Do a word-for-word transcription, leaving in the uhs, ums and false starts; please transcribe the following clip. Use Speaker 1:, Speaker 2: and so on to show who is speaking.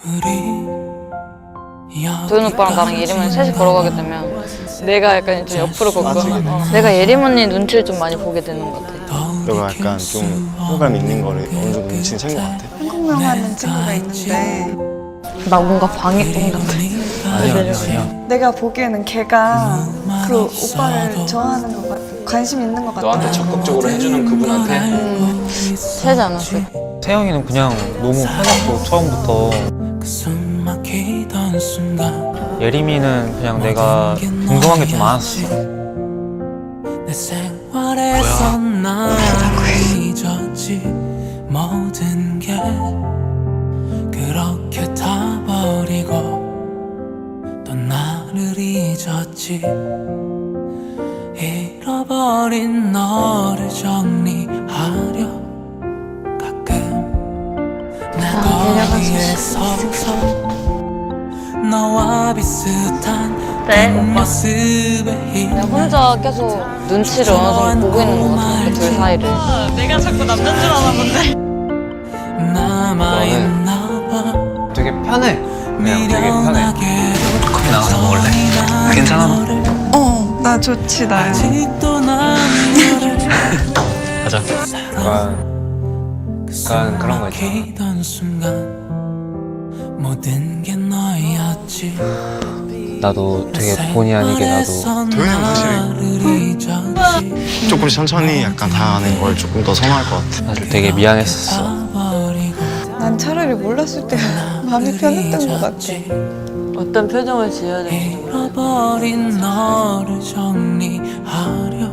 Speaker 1: 도현 오빠랑 나랑 예림 언니 셋이 걸어가게 되면 내가 약간 좀 옆으로 걷고 어. 내가 예림 언니 눈치를 좀 많이 보게 되는 것 같아.
Speaker 2: 너가 약간 좀 호감 있는 거를 어느 정도 눈치는 챈 것 같아.
Speaker 3: 한국명하는 친구가 있는데
Speaker 1: 나 뭔가 방해꾼 같아.
Speaker 4: 아니야 아니야 아니야.
Speaker 3: 내가 보기에는 걔가 그 오빠를 좋아하는 것 같아. 관심 있는 것 같아.
Speaker 5: 너한테 적극적으로 해주는 그분한테
Speaker 1: 음, 세지 않았어.
Speaker 4: 세영이는 그냥 너무 편했고 처음부터. 예림이는 그냥 내가 궁금한 게 좀 많았어.
Speaker 6: 뭐야? 모든 게 그렇게 다 버리고 또 나를 잊었지. 잃어버린 너를 정리하려 가끔 내 거리에 서서 너와 비슷한
Speaker 1: 네, 오빠.
Speaker 6: 모습에
Speaker 1: 내가 혼자 계속 눈치를 어느 정도 보고 있는 것 같아. 그 둘 사이를.
Speaker 3: 내가 자꾸 남자인 줄 아나 본데.
Speaker 6: 남아있나 봐.
Speaker 4: 되게 편해. 그냥 되게 편해. 커피 나가서 먹을래? 괜찮아?
Speaker 3: 어, 나 좋지 나야.
Speaker 6: 아직도 난 너를
Speaker 4: 가자. 약간, 약간 그런 거 있잖아.
Speaker 6: 기던 순간 모든 게 너였지.
Speaker 4: 나도 되게 본의 아니게 나도
Speaker 2: 도현이는 사실 조금씩 천천히 약간 다가가는 걸 조금 더 선호할 것 같아.
Speaker 4: 사실 되게 미안했었어.
Speaker 3: 난 차라리 몰랐을 때 마음이 편했던 것 같아.
Speaker 1: 어떤 표정을 지어야 될지.
Speaker 6: 잃어버린 너를 정리하려